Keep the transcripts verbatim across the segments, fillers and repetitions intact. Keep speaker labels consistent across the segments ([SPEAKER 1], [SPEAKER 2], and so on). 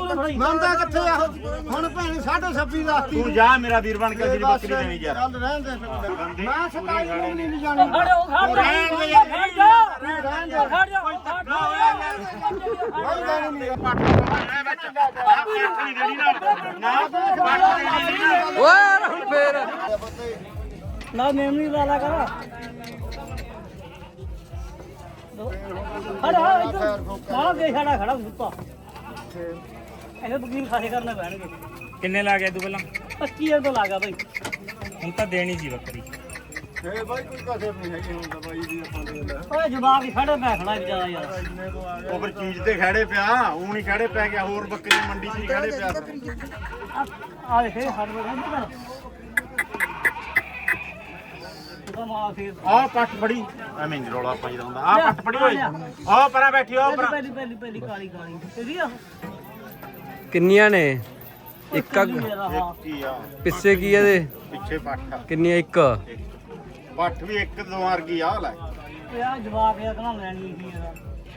[SPEAKER 1] ਮੰਨਦਾ ਕਿੱਥੇ ਆ ਹੁਣ ਭੈਣ ਸਾਢੇ ਛੱਬੀ ਦੱਸਤੀ
[SPEAKER 2] ਤੂੰ ਜਾ ਮੇਰਾ ਵੀਰ ਬਣ ਕੇ ਜਿਹੜੀ ਬੱਕਰੀ ਦੇਣੀ ਯਾਰ
[SPEAKER 1] ਚੱਲ ਰਹਿਣ ਦੇ ਮੈਂ ਸਤਾਈ ਨੂੰ ਵੀ ਨਹੀਂ ਜਾਣੀ
[SPEAKER 2] ਰਹਿਣ ਦੇ
[SPEAKER 1] ਰਹਿਣ ਦੇ
[SPEAKER 3] ਖੜ ਜਾ
[SPEAKER 1] ਕੋਈ ਗੱਲ ਨਹੀਂ
[SPEAKER 2] ਪੱਟ ਨਹੀਂ ਦੇਣੀ ਨਾ ਨਾ ਪੱਟ ਦੇਣੀ ਨਾ
[SPEAKER 4] ਓਏ ਹੁਣ ਫੇਰ
[SPEAKER 3] ਨਾ ਮੇਮਣੀ ਵਾਲਾ ਕਰ ਖੜਾ ਇੱਧਰ ਮਾਰਾ ਦੇ ਖੜਾ ਖੜਾ ਸੁੱਤਾ ਇਹ ਬਕੀਰ ਖਾਸੇ ਕਰਨੇ ਪੈਣਗੇ
[SPEAKER 5] ਕਿੰਨੇ ਲਾ ਗਿਆ ਤੂੰ ਪਹਿਲਾਂ
[SPEAKER 3] ਪੱਚੀ ਹਜ਼ਾਰ ਤੋਂ ਲਾਗਾ ਬਈ
[SPEAKER 5] ਹੁਣ ਤਾਂ ਦੇਣੀ ਸੀ ਬੱਕਰੀ
[SPEAKER 1] ਏ ਬਾਈ ਕੋਈ ਕਸਰ ਨਹੀਂ ਹੈਗੀ ਹੁਣ ਤਾਂ ਬਾਈ ਦੀ ਆਪਾਂ ਦੇ ਲੈ
[SPEAKER 3] ਓਏ ਜਵਾਬ ਹੀ ਖੜੇ ਪੈ ਖੜਾ ਵਿਚਾਰਾ ਯਾਰ
[SPEAKER 1] ਇੰਨੇ ਤੋਂ ਆ
[SPEAKER 2] ਉਹ ਫਿਰ ਚੀਜ਼ ਤੇ ਖੜੇ ਪਿਆ ਉਹ ਨਹੀਂ ਖੜੇ ਪੈ ਗਿਆ ਹੋਰ ਬੱਕਰੀ ਮੰਡੀ 'ਚ ਨਹੀਂ ਖੜੇ ਪਿਆ
[SPEAKER 3] ਆ ਦੇਖੇ ਹੱਥ ਬੰਦ ਕਰ ਉਹਦਾ ਮਾਂ ਫੇਰ
[SPEAKER 2] ਆਹ ਪੱਟ ਫੜੀ ਐਵੇਂ ਨਹੀਂ ਰੌਲਾ ਪਾਈਦਾ ਹੁੰਦਾ ਆਹ ਪੱਟ ਫੜੀ ਓਏ ਆਹ ਪਰਾਂ ਬੈਠੀ ਆਹ ਪਰਾਂ
[SPEAKER 3] ਪਹਿਲੀ ਪਹਿਲੀ ਪਹਿਲੀ ਕਾਲੀ ਕਾਲੀ ਤੇਰੀ ਆ
[SPEAKER 4] ਕਿੰਨੀਆਂ ਨੇ ਇੱਕ ਅੱਗ
[SPEAKER 3] ਮੇਰਾ ਹਾਂ
[SPEAKER 2] ਕੀ ਆ
[SPEAKER 4] ਪਿੱਛੇ ਕੀ ਇਹਦੇ
[SPEAKER 2] ਪਿੱਛੇ ਪੱਟ ਆ
[SPEAKER 4] ਕਿੰਨੀਆਂ ਇੱਕ
[SPEAKER 2] ਪੱਟ ਵੀ ਇੱਕ ਦੋ ਵਰਗੀ ਆ ਲੈ
[SPEAKER 3] ਓਏ ਆ ਜਵਾਬ ਇਹ ਕਹਣਾ ਲੈਣੀ ਸੀ ਇਹਦਾ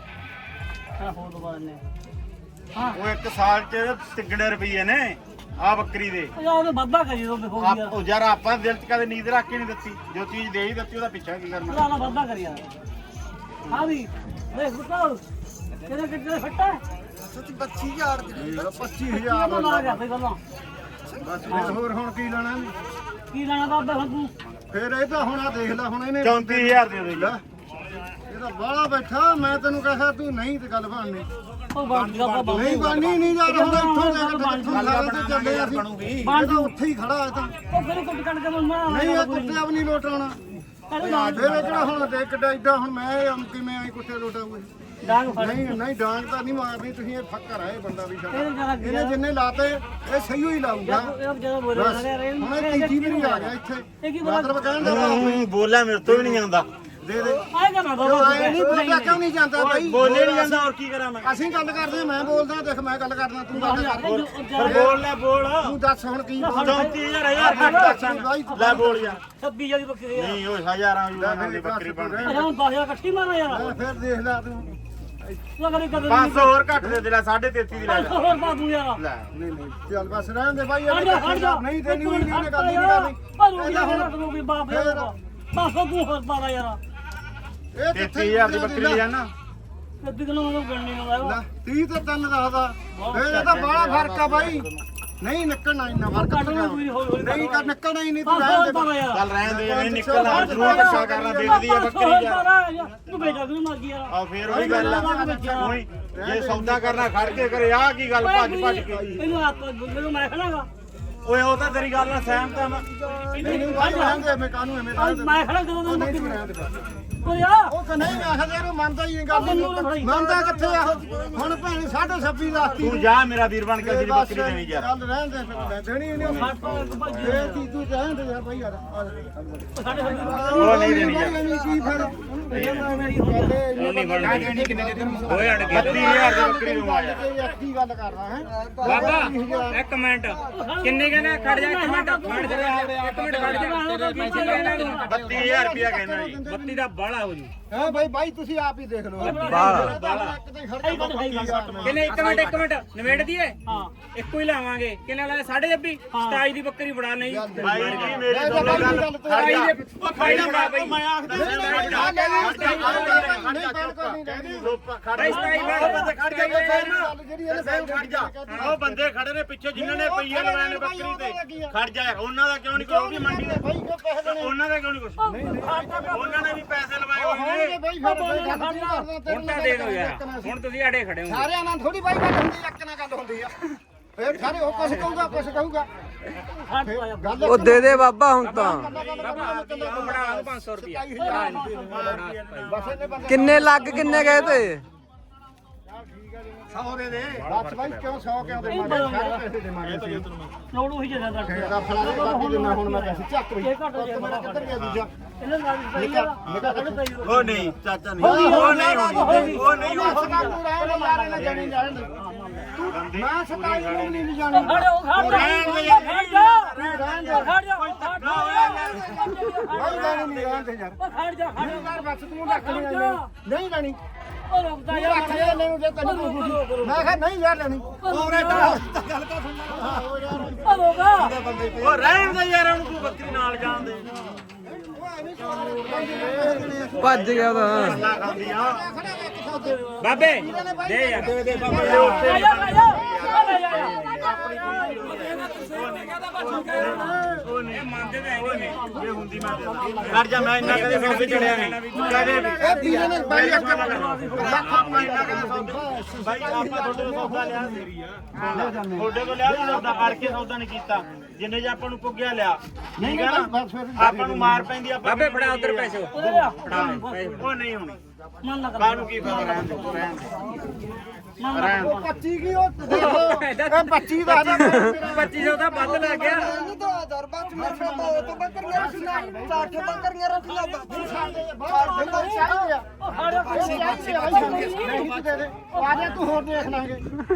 [SPEAKER 3] ਆ ਹੋਰ ਦਵਾ ਦਿੰਨੇ ਹਾਂ
[SPEAKER 2] ਉਹ ਇੱਕ ਸਾਲ 'ਚ ਤਿੱਗੜੇ ਰੁਪਈਏ ਨੇ ਆ ਬੱਕਰੀ ਦੇ
[SPEAKER 3] ਉਹ ਉਹਨੇ ਵਾਧਾ ਕਰੀ ਦੋ ਦੇਖੋ
[SPEAKER 2] ਆਪ
[SPEAKER 3] ਯਾਰ
[SPEAKER 2] ਉਹ ਯਾਰ ਆਪਾਂ ਦਿਲ 'ਚ ਕਦੇ ਨੀਂਦ ਰੱਖ ਕੇ ਨਹੀਂ ਦਿੱਤੀ ਜੋ ਚੀਜ਼ ਦੇ ਹੀ ਦਿੱਤੀ ਉਹਦਾ ਪਿੱਛਾ ਕੀ ਕਰਨਾ
[SPEAKER 3] ਉਹਦਾ ਵਾਧਾ ਕਰੀ ਯਾਰ ਹਾਂ ਵੀ ਦੇਖ ਬਤਾਓ ਕਿਹਦੇ ਕਿੱਥੇ ਫੱਟਾ
[SPEAKER 1] ਪੱਚੀ ਹਜ਼ਾਰ ਦੀ ਪੱਚੀ ਹਜ਼ਾਰ
[SPEAKER 3] ਕਿਹਦਾ ਲਾ ਗਿਆ ਬਈ ਗੱਲਾਂ
[SPEAKER 1] ਬਸ ਫਿਰ ਹੋਰ ਹੁਣ ਕੀ ਲੈਣਾ
[SPEAKER 3] ਕੀ ਲੈਣਾ ਬਾਬਾ ਹੁਣ ਤੂੰ
[SPEAKER 1] ਫਿਰ ਇਹ ਤਾਂ ਹੁਣ ਆ ਦੇਖ ਲੈ ਹੁਣ ਇਹਨੇ
[SPEAKER 2] ਚੌਂਤੀ ਹਜ਼ਾਰ ਦੇ ਦੇ
[SPEAKER 1] ਲੈ, ਇਹ ਤਾਂ ਬਾਹਲਾ ਬੈਠਾ ਮੈਂ ਤੈਨੂੰ ਕਹਾਂ ਤੂੰ ਨਹੀਂ ਤੇ ਗੱਲ ਬਣਨੀ
[SPEAKER 3] ਉਹ ਬਣ ਜਾ ਬਾਬਾ
[SPEAKER 1] ਨਹੀਂ ਬਣਨੀ ਨਹੀਂ ਯਾਰ ਹੁਣ ਇੱਥੋਂ ਲੈ ਕੇ ਇੱਥੋਂ ਸਾਰੇ ਤੇ ਚੱਲੇ ਅਸੀਂ ਬਣ ਜਾ ਉੱਥੇ ਹੀ ਖੜਾ ਹੈ ਤਾਂ
[SPEAKER 3] ਉਹ ਫਿਰ ਕੁੱਟ ਕੱਟ ਕੇ ਮੰਮਾ
[SPEAKER 1] ਨਹੀਂ ਇਹ ਕੁੱਤੇ ਵੀ ਨਹੀਂ ਲੋਟਾਉਣਾ ਫਿਰ ਇਹ ਕਿਹੜਾ ਹੁਣ ਦੇ ਕਿੱਡਾ ਏਡਾ ਹੁਣ ਮੈਂ ਇਹ ਕਿਵੇਂ ਆਈ ਕੁੱਤੇ ਲੋਟਾਉਂਗੇ
[SPEAKER 3] ਡਾਂਗ ਫੜ
[SPEAKER 1] ਨਹੀਂ ਨਹੀਂ ਡਾਂਗ ਤਾਂ ਨਹੀਂ ਮਾਰਨੀ ਤੁਸੀਂ ਇਹ ਫੱਕਰ ਆ ਇਹ ਬੰਦਾ ਵੀ ਸਾਡਾ
[SPEAKER 3] ਇਹ ਜਰਾ
[SPEAKER 1] ਇਹਨੇ ਜਿੰਨੇ ਲਾਤੇ ਇਹ ਸਹੀ ਹੀ ਲਾਊਗਾ
[SPEAKER 3] ਇਹ ਜਦੋਂ ਬੋਲੇ
[SPEAKER 1] ਬਸ
[SPEAKER 3] ਲਗਾ
[SPEAKER 1] ਹੁਣ ਇਹ ਤੀਜੀ ਵੀ ਨਹੀਂ ਆ ਗਿਆ ਇੱਥੇ
[SPEAKER 3] ਇਹ ਕੀ ਬੋਲਾ
[SPEAKER 1] ਮਤਲਬ ਕਹਿਣ ਦਾ ਭਾਵ
[SPEAKER 2] ਹੂੰ ਬੋਲਿਆ ਮੇਰੇ ਤੋਂ ਵੀ ਨਹੀਂ ਜਾਂਦਾ
[SPEAKER 1] ਦੇ ਦੇ
[SPEAKER 3] ਆਏਗਾ ਨਾ ਬਾਬਾ
[SPEAKER 1] ਆਏ ਨਹੀਂ ਬੋਲਿਆ ਕਿਉਂ ਨਹੀਂ ਜਾਂਦਾ ਬਾਈ
[SPEAKER 2] ਬੋਲੇ ਨਹੀਂ ਜਾਂਦਾ ਹੋਰ ਕੀ ਕਰਾਂ ਮੈਂ
[SPEAKER 1] ਅਸੀਂ ਗੱਲ ਕਰਦੇ ਮੈਂ ਬੋਲਦਾ ਦੇਖ ਮੈਂ ਗੱਲ ਕਰਦਾ ਤੂੰ ਗੱਲ ਕਰ
[SPEAKER 2] ਫਿਰ ਬੋਲ ਲੈ ਬੋਲ
[SPEAKER 1] ਤੂੰ ਦੱਸ ਹੁਣ ਕੀ
[SPEAKER 2] ਚੌਂਤੀ ਹਜ਼ਾਰ ਹਜ਼ਾਰ ਦੀ ਦੱਸਾਂ ਲੈ ਬੋਲ ਯਾਰ
[SPEAKER 3] ਛੱਬੀ ਜਦੀ ਬੱਕਰੀ
[SPEAKER 2] ਨਹੀਂ ਓਏ ਹਜ਼ਾਰਾਂ ਯੂਰਾਂ ਦੀ ਬੱਕਰੀ ਬਣਦੀ
[SPEAKER 3] ਅਜਾ ਹੁਣ ਦਸ ਹਜ਼ਾਰ ਇਕੱਠੀ ਮਾਰੋ ਯਾਰ
[SPEAKER 1] ਫਿਰ ਦੇਖ ਲੈ ਤੂੰ
[SPEAKER 3] ਤੂੰ ਕਦੇ ਕਦੇ
[SPEAKER 2] ਪੰਜ ਸੌ ਹੋਰ ਘੱਟ ਦੇ ਦੇ ਲੈ ਸਾਢੇ ਤੇਤੀ ਦੀ ਲੈ ਲੈ
[SPEAKER 3] ਹੋਰ ਬਾਬੂ ਯਾਰ
[SPEAKER 2] ਲੈ
[SPEAKER 1] ਨਹੀਂ ਨਹੀਂ ਚੱਲ ਬਸ ਰਹਿਣ ਦੇ ਬਾਈ
[SPEAKER 3] ਹਟ ਜਾ ਹਟ ਜਾ
[SPEAKER 1] ਨਹੀਂ ਦੇਣੀ ਹੋਈ ਨਹੀਂ ਇਹਨੇ ਗੱਲ ਹੀ ਨਹੀਂ ਕਰਨੀ
[SPEAKER 3] ਪਰ ਯਾਰ ਹੁਣ ਤੂੰ ਵੀ ਬਾਪ ਯਾਰ ਬਸ ਤੂੰ ਹੋਰ ਪਾਰਾ ਯਾਰ
[SPEAKER 1] ਇਹ
[SPEAKER 2] ਤੇਤੀ ਹਜ਼ਾਰ ਦੀ ਬੱਕਰੀ ਲੈ ਨਾ
[SPEAKER 3] ਅੱਧੀ ਕਿਲੋ ਮੈਨੂੰ ਗਣਨੀ ਨੂੰ ਆਇਆ
[SPEAKER 1] ਤੀਹ ਤੇ ਤਿੰਨ ਦੱਸਦਾ ਫਿਰ ਇਹ ਤਾਂ ਬੜਾ ਫਰਕ ਆ ਬਾਈ ਨਹੀਂ ਨਿਕਲਣਾ ਇੰਨਾ ਫਰਕ
[SPEAKER 3] ਕੱਢ ਲੈ ਤੂੰ ਹੌਲੀ ਹੌਲੀ
[SPEAKER 1] ਨਹੀਂ ਕਰ ਨਿਕਲਣਾ ਹੀ ਨਹੀਂ ਤੂੰ
[SPEAKER 3] ਬਸ
[SPEAKER 1] ਰਹਿਣ
[SPEAKER 3] ਹੋਰ
[SPEAKER 1] ਦੇ
[SPEAKER 3] ਪਾਰਾ ਯਾਰ
[SPEAKER 2] ਚੱਲ ਰਹਿਣ ਦੇ ਨਹੀਂ ਨਿਕਲਣਾ ਜ਼ਰੂਰ ਰੱਖਿਆ ਕਰਨਾ ਦੇਖਦੀ ਆ ਬੱਕਰੀ ਯਾਰ
[SPEAKER 3] ਤੂੰ ਵੇਚਾ ਤੂੰ ਮਰਜੀ ਯਾਰ
[SPEAKER 2] ਆ ਫੇਰ ਉਹੀ ਗੱਲ ਆ ਉਹੀ ਜੇ ਸੌਦਾ ਕਰਨਾ ਖੜ ਕੇ ਕਰੇ ਆ ਕੀ ਗੱਲ ਭੱਜ ਭੱਜ ਕੇ
[SPEAKER 3] ਇਹਨੂੰ ਆਪ ਮੈਨੂੰ ਮੈਂ ਖੜਾਗਾ
[SPEAKER 2] ਓਏ ਉਹ ਤਾਂ ਤੇਰੀ ਗੱਲ ਨਾਲ ਸਹਿਮਤ ਆ ਮੈਂ
[SPEAKER 1] ਨਹੀਂ ਨਹੀਂ ਬਾਈ ਰਹਿਣ ਦੇ ਮੈਂ ਕਾਹਨੂੰ ਐਵੇਂ ਰਹਿਣ ਦੇ
[SPEAKER 3] ਮੈਂ ਖੜਾ ਜਦੋਂ ਤੂੰ
[SPEAKER 1] ਨਹੀਂ
[SPEAKER 3] ਬੱਕਰੀ
[SPEAKER 1] ਤੂੰ ਰਹਿਣ ਦੇ ਬਸ
[SPEAKER 3] ਓ ਯਾਰ
[SPEAKER 1] ਉਹ ਕਹਿੰਦਾ ਮੈਂ ਆਖਦਾ ਇਹਨੂੰ ਮੰਨਦਾ ਹੀ ਨਹੀਂ ਗੱਲ ਮੰਨਦਾ ਕਿੱਥੇ ਆ ਹੁਣ ਭੈਣ ਸਾਢੇ ਛੱਬੀ ਦੱਸਤੀ
[SPEAKER 2] ਤੂੰ ਜਾ ਮੇਰਾ ਵੀਰ ਬਣ ਕੇ ਜਿਹੜੀ ਬੱਕਰੀ ਦੇਣੀ ਯਾਰ
[SPEAKER 1] ਚੱਲ ਰਹਿਣ ਦੇ ਫਿਰ ਦੇਣੀ ਨਹੀਂ ਉਹਨੇ ਇਹ ਕੀ ਤੂੰ ਰਹਿਣ ਦੇ ਯਾਰ ਬਾਈ ਯਾਰ
[SPEAKER 3] ਸਾਡੇ
[SPEAKER 2] ਉਹ ਨਹੀਂ ਦੇਣੀ ਯਾਰ
[SPEAKER 1] ਕੀ ਫਿਰ
[SPEAKER 5] ਨਹੀਂ ਬਣਦੀ ਦੇਣੀ ਕਿੰਨੇ ਦੇ ਹੋਏ ਅੜ ਗਏ
[SPEAKER 2] ਬੱਤੀ ਹਜ਼ਾਰ ਦੀ ਬੱਕਰੀ ਨੂੰ ਆ ਯਾਰ
[SPEAKER 1] ਕੀ ਗੱਲ ਕਰਦਾ ਹੈ
[SPEAKER 5] ਬਾਬਾ ਇੱਕ ਮਿੰਟ ਕਿੰਨੇ ਕਹਿੰਦੇ ਖੜ ਜਾ ਇੱਕ ਮਿੰਟ ਖੜ ਜਾ ਇੱਕ ਮਿੰਟ ਖੜ ਜਾ ਤੇਰੇ ਪੈਸੇ ਲੈਣਾ ਤੂੰ
[SPEAKER 2] ਬੱਤੀ ਹਜ਼ਾਰ ਰੁਪਇਆ ਕਹਿੰਦਾ ਜੀ
[SPEAKER 5] ਬੱਤੀ ਦਾ ਬਾਲਾ ਹੋ ਜੂ
[SPEAKER 1] ਹੈ ਬਾਈ ਬਾਈ ਤੁਸੀਂ ਆਪ ਹੀ ਦੇਖ ਲਓ
[SPEAKER 4] ਬਾਹਲਾ
[SPEAKER 5] ਕਿੰਨੇ ਇੱਕ ਮਿੰਟ ਇੱਕ ਮਿੰਟ ਨਵੇੜ ਦੀਏ
[SPEAKER 3] ਹਾਂ
[SPEAKER 5] ਇੱਕੋ ਹੀ ਲਾਵਾਂਗੇ ਕਿੰਨੇ ਲਾਏ ਸਾਢੇ ਛੱਬੀ ਸਤਾਈ ਦੀ ਬੱਕਰੀ ਬੜਾ ਨਹੀਂ
[SPEAKER 2] ਭਾਈ ਜੀ ਮੇਰੀ ਦੋਨੇ ਗੱਲ ਖੜ ਜਾ ਉਹ ਖੜ ਜਾ ਬੜਾ ਬਈ ਮੈਂ ਆਖਦਾ ਉਹ ਬੰਦੇ ਖੜੇ ਨੇ ਪਿੱਛੇ ਜਿਨ੍ਹਾਂ ਨੇ ਪਈਏ ਲਵਾਏ ਨੇ ਬੱਕਰੀ ਤੇ ਖੜ ਜਾ ਉਹਨਾਂ ਦਾ ਕਿਉਂ ਨਹੀਂ ਕੋਈ ਉਹ ਵੀ ਮੰਡੀ ਦੇ ਉਹਨਾਂ ਦਾ ਕਿਉਂ ਨਹੀਂ ਕੁਛ ਉਹਨਾਂ ਨੇ ਵੀ ਪੈਸੇ ਲਵਾਏ ਹੋਏ ਨੇ
[SPEAKER 5] ਹੁਣ ਤਾਂ ਦੇ ਦਿਓ ਯਾਰ ਹੁਣ ਤੁਸੀਂ ਆੜੇ ਖੜੇ ਹੋ
[SPEAKER 1] ਸਾਰਿਆਂ ਨਾਲ ਥੋੜੀ ਬਾਈ ਗੱਲ ਹੁੰਦੀ ਇੱਕ ਨਾਲ ਗੱਲ ਹੁੰਦੀ ਆ ਫੇਰ ਸਾਰੇ ਉਹ ਕੁਛ ਕਹੂਗਾ ਕੁਛ ਕਹੂਗਾ ਗੱਲ
[SPEAKER 4] ਉਹ ਦੇ ਦੇ ਬਾਬਾ ਹੁਣ ਤਾਂ
[SPEAKER 5] ਬੜਾ ਪੰਜ ਸੌ ਰੁਪਏ
[SPEAKER 1] ਬਸ ਇਹਨੇ ਬੰਦੇ
[SPEAKER 4] ਕਿੰਨੇ ਲੱਗ ਕਿੰਨੇ ਗਏ ਤੇ
[SPEAKER 1] ਸੌ ਦੇ ਦੇ ਬਸ ਬਾਈ ਕਿਉਂ ਸੌ ਕਿਉਂ ਦੇ ਮਾਰੇ ਸਾਰੇ ਪੈਸੇ ਦੇ ਮਾਰੇ ਸੀ
[SPEAKER 3] ਲੋੜ ਉਹੀ ਜਿਆਦਾ ਦਾ
[SPEAKER 1] ਤੇਰਾ ਫਲਾਣੇ ਕਾਪੀ ਦੇ ਮੈਂ ਹੁਣ ਮੈਂ ਪੈਸੇ ਚੱਕ ਵੀ
[SPEAKER 3] ਇਹ ਘੱਟ ਹੋ
[SPEAKER 1] ਮੇਰਾ ਕਿੱਧਰ ਗਿਆ ਦੂਜਾ
[SPEAKER 3] ਇਹਨਾਂ ਨਾਲ ਨਿਕਾ ਨਿਕਾ ਕੱਢ ਪਈ
[SPEAKER 2] ਉਹ ਨਹੀਂ ਚਾਚਾ ਨਹੀਂ ਉਹ ਨਹੀਂ ਹੋਣੀ ਉਹ ਨਹੀਂ
[SPEAKER 1] ਉਹ ਸਤਾਈ ਰਹਿ ਲੈ ਯਾਰ ਇਹਨਾਂ ਜਾਣੀ ਜਾਣ ਮੈਂ ਸਤਾਈ ਨੂੰ ਨਹੀਂ ਜਾਣੀ
[SPEAKER 3] ਖੜ ਜਾ ਖੜ ਜਾ ਖੜ ਜਾ
[SPEAKER 1] ਰਹਿਣ ਦੇ
[SPEAKER 3] ਖੜ ਜਾ ਖੜ
[SPEAKER 1] ਬਾਈ ਜਾਣੀ ਨਹੀਂ ਰਹਿਣ ਦੇ ਯਾਰ
[SPEAKER 3] ਖੜ ਜਾ ਖੜ ਜਾ
[SPEAKER 1] ਯਾਰ ਬਸ ਤੂੰ ਰੱਖ ਨਹੀਂ ਨਹੀਂ ਜਾਣੀ
[SPEAKER 3] ਉਹ ਰੁਕਦਾ ਯਾਰ
[SPEAKER 1] ਰੱਖ ਲੈ ਲੈਨੂੰ ਜੇ ਤੈਨੂੰ ਕੋਈ ਖੁਸ਼ੀ ਮੈਂ ਕਿਹਾ ਨਹੀਂ ਯਾਰ ਲੈਣੀ
[SPEAKER 2] ਉਹਰੇ ਤਾਂ ਗੱਲ ਤਾਂ ਸੁਣ
[SPEAKER 3] ਉਹ ਰੁਕਾ
[SPEAKER 2] ਉਹ ਰਹਿਣ ਦੇ ਯਾਰ ਉਹਨੂੰ ਕੋਈ ਬੱਕਰੀ ਨਾਲ ਜਾਣ ਦੇ
[SPEAKER 4] ਭੱਜ ਗਿਆ ਤਾਂ
[SPEAKER 2] ਨਾ ਖਾਂਦੀ ਆ
[SPEAKER 5] ਬਾਬੇ ਦੇ ਯਾਰ ਦੇ ਦੇ ਬਾਬੇ
[SPEAKER 3] ਆ ਜਾ ਆ ਜਾ ਆ ਜਾ
[SPEAKER 2] ਉਹ ਨਹੀਂ ਮੰਨਦੇ ਤਾਂ ਹੈਗੇ ਨੇ ਜੇ ਹੁੰਦੀ ਮੈਂ ਕਰ ਜਾ ਮੈਂ ਇੰਨਾ ਕਦੇ ਸੌਦੇ ਚੜਿਆ ਨਹੀਂ ਕਦੇ ਵੀ
[SPEAKER 1] ਇਹ ਵੀਰੇ ਨੇ ਬਾਈ ਇੱਕ
[SPEAKER 2] ਲੱਖ ਆਪਾਂ ਇੰਨਾ ਕਦੇ ਸੌਦੇ ਬਾਈ ਆਪਾਂ ਤੁਹਾਡੇ ਤੋਂ ਸੌਦਾ ਲਿਆ ਮੇਰੀ ਆ ਤੁਹਾਡੇ ਤੋਂ ਲਿਆ ਵੀ ਸੌਦਾ ਕਰਕੇ ਸੌਦਾ ਨਹੀਂ ਕੀਤਾ ਜਿੰਨੇ ਜੇ ਆਪਾਂ ਨੂੰ ਪੁੱਗਿਆ ਲਿਆ ਠੀਕ ਹੈ ਨਾ ਆਪਾਂ ਨੂੰ ਮਾਰ ਪੈਂਦੀ ਆਪਾਂ
[SPEAKER 5] ਬਾਬੇ ਫੜਾ ਉਧਰ ਪੈਸੇ
[SPEAKER 3] ਉਹਦੇ ਲਿਆ
[SPEAKER 5] ਫੜਾ ਪੈਸੇ
[SPEAKER 2] ਉਹ ਨਹੀਂ ਹੋਣੀ
[SPEAKER 3] ਮਨ ਨਾ ਕਰ
[SPEAKER 2] ਕਾਹਨੂੰ ਕੀ ਫਾਇਦਾ ਰਹਿਣ ਦੇ ਰਹਿਣ ਦੇ ਰਹਿਣ ਦੇ
[SPEAKER 1] ਪੱਚੀ ਕੀ ਉਹ ਦੇਖੋ ਇਹ ਪੱਚੀ ਦਾ ਨਾ
[SPEAKER 5] ਪੱਚੀ ਸੌ ਦਾ ਵੱਧ ਲੱਗ ਗਿਆ
[SPEAKER 1] ਤੂੰ ਹੋਰ ਦੇਖ ਲਾਂਗੇ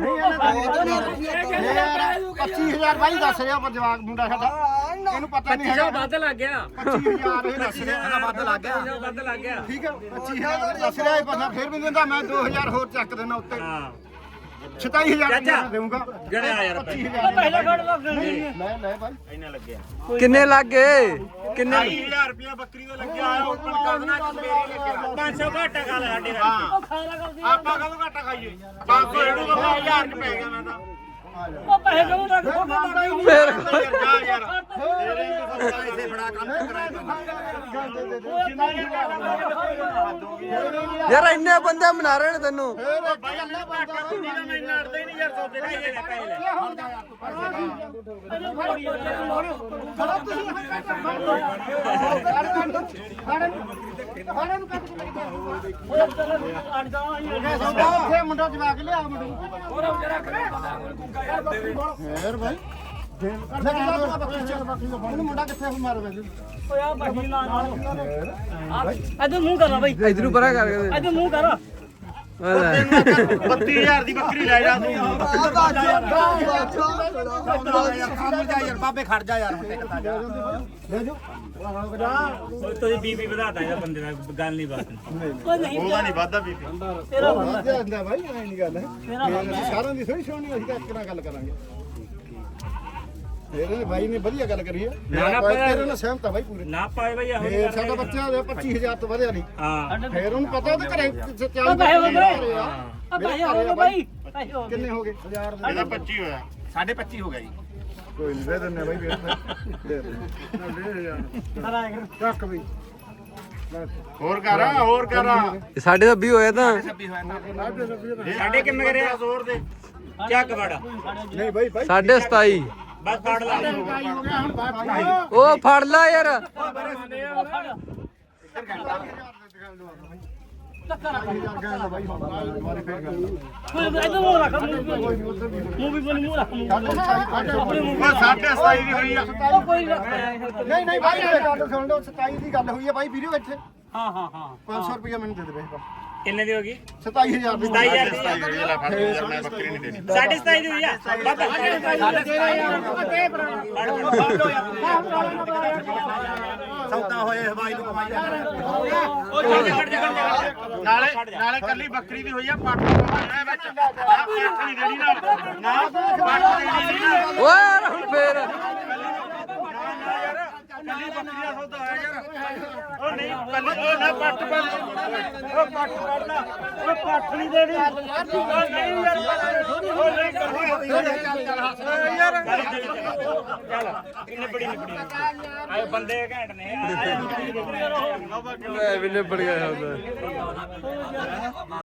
[SPEAKER 1] ਪੱਚੀ ਹਜ਼ਾਰ ਬਾਈ ਦੱਸ ਰਿਹਾ ਪਰ ਜਵਾਕ ਮੁੰਡਾ ਸਾਡਾ ਇਹਨੂੰ ਪਤਾ ਨਹੀਂ ਹੈਗਾ
[SPEAKER 5] ਵੱਧ ਲੱਗ ਗਿਆ
[SPEAKER 1] ਪੱਚੀ ਹਜ਼ਾਰ ਇਹ ਦੱਸ ਰਿਹਾ ਇਹਦਾ ਵੱਧ ਲੱਗ ਗਿਆ
[SPEAKER 5] ਵੱਧ ਲੱਗ ਗਿਆ
[SPEAKER 1] ਠੀਕ ਹੈ ਪੱਚੀ ਹਜ਼ਾਰ ਦੱਸ ਰਿਹਾ ਇਹ ਪਤਾ ਫਿਰ ਵੀ ਦਿੰਦਾ ਮੈਂ ਦੋ ਹਜ਼ਾਰ ਹੋਰ ਚੱਕ ਦੇਣਾ ਉੱਤੇ
[SPEAKER 5] ਹਾਂ
[SPEAKER 1] ਸਤਾਈ ਹਜ਼ਾਰ
[SPEAKER 5] ਚਾਚਾ।
[SPEAKER 1] ਦੇਊਂਗਾ
[SPEAKER 5] ਗੜਿਆ ਯਾਰ
[SPEAKER 1] ਪੱਚੀ
[SPEAKER 3] ਉਹ
[SPEAKER 1] ਹਜ਼ਾਰ
[SPEAKER 3] ਪਹਿਲਾਂ ਫੜ ਲੱਗ ਗਈ
[SPEAKER 1] ਲੈ ਲੈ ਬਾਈ
[SPEAKER 2] ਇੰਨਾ ਲੱਗਿਆ
[SPEAKER 4] ਕਿੰਨੇ ਲੱਗ ਗਏ ਕਿੰਨੇ
[SPEAKER 2] ਢਾਈ ਹਜ਼ਾਰ ਰੁਪਇਆ ਬੱਕਰੀ ਦਾ ਲੱਗਿਆ ਆ ਓਪਨ ਕਰ ਦੇਣਾ ਕਿ ਮੇਰੀ ਲੱਗਿਆ
[SPEAKER 5] ਪੰਜ ਸੌ ਘਾਟਾ ਖਾ ਲੈ ਸਾਡੇ
[SPEAKER 2] ਹਾਂ
[SPEAKER 3] ਉਹ ਖਾਇਆ ਕਰਦੀ
[SPEAKER 2] ਆਪਾਂ ਕਦੋਂ ਘਾਟਾ ਖਾਈਏ ਪੰਜ ਸੌ ਇਹਨੂੰ ਤਾਂ ਹਜ਼ਾਰ ਚ ਪੈ ਗਿਆ ਮੈਂ ਤਾਂ
[SPEAKER 3] ਉਹ ਪੈਸੇ ਕਦੋਂ ਤੱਕ ਖੋਟਾ ਨਹੀਂ
[SPEAKER 4] ਫਿਰ
[SPEAKER 2] ਜਾ ਯਾਰ ਤੇਰੇ ਨੂੰ ਪੈਸੇ ਫੜਾ ਕੰਮ ਕਰਾਇਆ
[SPEAKER 4] ਯਾਰ ਇੰਨੇ ਬੰਦੇ ਮਨਾ ਰਹੇ ਨੇ ਤੈਨੂੰ
[SPEAKER 2] ਬਾਈ ਅੱਲਾ ਘਾਟਾ ਕੁੰਡੀ ਦਾ ਮੈਂ ਇੰਨਾ ਅੜਦਾ ਹੀ ਨਹੀਂ ਯਾਰ ਸੌਦੇ ਦਾ
[SPEAKER 5] ਪੈਸੇ ਲੈ ਪੈਸੇ ਲੈ
[SPEAKER 1] ਉੱਥੇ ਮੁੰਡਾ ਜਵਾ ਕੇ ਲਿਆ ਮੁੰਡੇ ਫੇਰ ਭਾਈ ਮੁੰਡਾ ਕਿੱਥੇ ਮਾਰ ਵੈਸੇ
[SPEAKER 3] ਓਏ ਆ ਬਾਕੀ ਨਾ ਨਾਲ ਇਧਰ ਮੂੰਹ ਕਰ ਬਾਈ
[SPEAKER 4] ਇਧਰੋਂ ਪਰਾਂ ਕਰ ਕੇ
[SPEAKER 3] ਇਧਰ ਮੂੰਹ ਕਰ
[SPEAKER 2] ਬੱਤੀ ਹਜ਼ਾਰ ਦੀ ਬੱਕਰੀ ਲੈ ਜਾ ਤੂੰ
[SPEAKER 1] ਯਾਰ ਬਾਬੇ ਖੜ ਜਾ ਯਾਰ ਹੁਣ ਟਿਕਦਾ ਜਾ ਲੈ ਜੋ
[SPEAKER 5] ਤੁਸੀਂ ਬੀਬੀ ਵਧਾਤਾ ਇਹਦਾ ਬੰਦੇ ਦਾ ਗੱਲ ਨਹੀਂ ਬਾਤ
[SPEAKER 3] ਓਏ ਨਹੀਂ
[SPEAKER 2] ਉਹਦਾ ਨਹੀਂ ਵਾਧਾ ਬੀਬੀ
[SPEAKER 3] ਤੇਰਾ ਬੰਦਾ
[SPEAKER 1] ਜਾਂਦਾ ਭਾਈ ਐ ਨਹੀਂ ਗੱਲ ਹੈ
[SPEAKER 3] ਤੇਰਾ ਬੰਦਾ
[SPEAKER 1] ਅਸੀਂ ਸਾਰਿਆਂ ਦੀ ਥੋੜੀ ਸੁਣਨੀ ਅਸੀਂ ਤਾਂ ਇੱਕ ਨਾਲ ਗੱਲ ਕਰਾਂਗੇ ਇਹਨੇ ਭਾਈ ਨੇ ਵਧੀਆ ਗੱਲ ਕਰੀ ਹੈ
[SPEAKER 5] ਨਾ, ਨਾ,
[SPEAKER 1] ਮੈਂ ਤੇਰੇ ਨਾਲ ਸਹਿਮਤ ਆ ਭਾਈ ਪੂਰੇ
[SPEAKER 5] ਨਾ ਪਾਏ ਬਈ ਇਹੋ
[SPEAKER 1] ਫੇਰ ਸਾਡਾ ਬੱਚਾ ਹੋਇਆ ਪੱਚੀ ਹਜ਼ਾਰ ਤੋਂ ਵਧਿਆ ਨਹੀਂ
[SPEAKER 5] ਹਾਂ
[SPEAKER 1] ਫੇਰ ਉਹਨੂੰ ਪਤਾ ਉਹਦੇ ਘਰੇ
[SPEAKER 3] ਉਹ ਪੈਸੇ ਹੋ ਗਏ ਆ ਪੈਸੇ ਹੋ ਗਏ ਬਾਈ ਪੈਸੇ ਹੋ ਗਏ
[SPEAKER 1] ਕਿੰਨੇ ਹੋ ਗਏ ਹਜ਼ਾਰ ਦੇ
[SPEAKER 2] ਇਹਦਾ ਪੱਚੀ ਹੋਇਆ ਸਾਢੇ ਪੱਚੀ ਹੋ ਗਿਆ ਜੀ
[SPEAKER 1] ਕੋਈ ਨਹੀਂ ਦੇ ਦਿੰਨੇ ਭਾਈ ਦੇ ਦੇ ਚੱਕ ਵੀ
[SPEAKER 2] ਹੋਰ ਕਰ ਹੋਰ ਕਰ
[SPEAKER 4] ਸਾਡੇ ਤਾਂ ਵੀਹ ਹੋਇਆ ਤਾਂ
[SPEAKER 5] ਸਾਡੇ ਕਿੰਨੇ ਕਰਿਆ
[SPEAKER 2] ਜ਼ੋਰ ਦੇ
[SPEAKER 5] ਚੱਕ ਵੜਾ
[SPEAKER 1] ਨਹੀਂ ਭਾਈ ਭਾਈ
[SPEAKER 4] ਸਾਢੇ ਸਤਾਈ
[SPEAKER 5] ਬਸ ਫੜ ਲਾ
[SPEAKER 1] ਹੋ ਗਿਆ ਹੁਣ ਬਾਤ
[SPEAKER 4] ਉਹ ਫੜ ਲਾ ਯਾਰ
[SPEAKER 3] ਟੱਕਰ ਆ
[SPEAKER 1] ਭਾਈ ਮਾਰੇ ਫੇਰ ਗੱਲ
[SPEAKER 3] ਕੋਈ ਇਧਰ ਮੂੰਹ ਰੱਖ ਮੂੰਹ ਵੀ ਬਣੀ ਮੂੰਹ ਰੱਖ ਆਪਣੇ ਮੂੰਹ
[SPEAKER 2] ਉਹ ਸਾਢੇ ਸਤਾਈ ਦੀ ਹੋਈ ਆ
[SPEAKER 3] ਉਹ ਕੋਈ ਰੱਖ
[SPEAKER 1] ਨਹੀਂ ਨਹੀਂ ਭਾਈ ਇਹ ਗੱਲ ਸੁਣ ਲਓ ਸਤਾਈ ਦੀ ਗੱਲ ਹੋਈ ਹੈ ਭਾਈ ਵੀਡੀਓ ਇੱਥੇ
[SPEAKER 3] ਹਾਂ ਹਾਂ ਹਾਂ
[SPEAKER 1] ਪੰਜ ਸੌ ਰੁਪਏ ਮੈਨੂੰ ਦੇ ਦੇ ਬਈ
[SPEAKER 5] ਕਿੰਨੇ ਦੀ ਹੋ ਗਈ
[SPEAKER 1] ਸਤਾਈ ਹਜ਼ਾਰ ਦੀ
[SPEAKER 5] ਸਤਾਈ ਹਜ਼ਾਰ ਦੀ
[SPEAKER 2] ਸਤਾਈ ਹੋਈ ਆ ਲੈ ਫੜ ਯਾਰ ਮੈਂ ਬੱਕਰੀ ਨਹੀਂ ਦੇਣੀ
[SPEAKER 5] ਸਾਢੇ ਸਤਾਈ ਦੀ ਹੋਈ ਆ ਬਾਬਾ
[SPEAKER 1] ਸੌਦਾ ਹੋਏ ਹਵਾਈ ਨੂੰ ਕਮਾਈ
[SPEAKER 5] ਉਹ ਚੱਲ ਖੜ ਜਾ ਖੜ ਜਾ
[SPEAKER 2] ਨਾਲੇ ਨਾਲੇ ਕੱਲੀ ਬੱਕਰੀ ਦੀ ਹੋਈ ਆ ਪੱਟ ਪਾਉਣਾ ਵਿੱਚ ਨਾ ਪੱਟ ਨਹੀਂ ਦੇਣੀ ਨਾ ਨਾ ਪੱਟ ਦੇਣੀ ਨਹੀਂ ਨਾ
[SPEAKER 4] ਓਏ ਯਾਰ ਹੁਣ ਫੇਰ
[SPEAKER 2] ਕੱਲੀ ਬੱਕਰੀ ਦਾ ਸੌਦਾ ਹੋਇਆ ਯਾਰ ਉਹ ਨਹੀਂ ਕੱਲੀ ਉਹ ਨਾ ਪੱਟ ਪੱਟ ਉਹ ਪੱਟ ਪੜਨਾ ਉਹ ਪੱਟ ਨਹੀਂ ਦੇਣੀ ਉਹ ਨਹੀਂ ਯਾਰ ਉਹ ਨਹੀਂ ਕਰਨੀ ਯਾਰ
[SPEAKER 5] ਚੱਲ ਕਿੰਨੇ ਬੜੀ ਨਿਬੜੀ ਆਏ ਬੰਦੇ ਘੈਂਟ ਨੇ
[SPEAKER 4] ਮੈਂ ਵੀ ਨਿਬੜ ਗਿਆ ਹੁੰਦਾ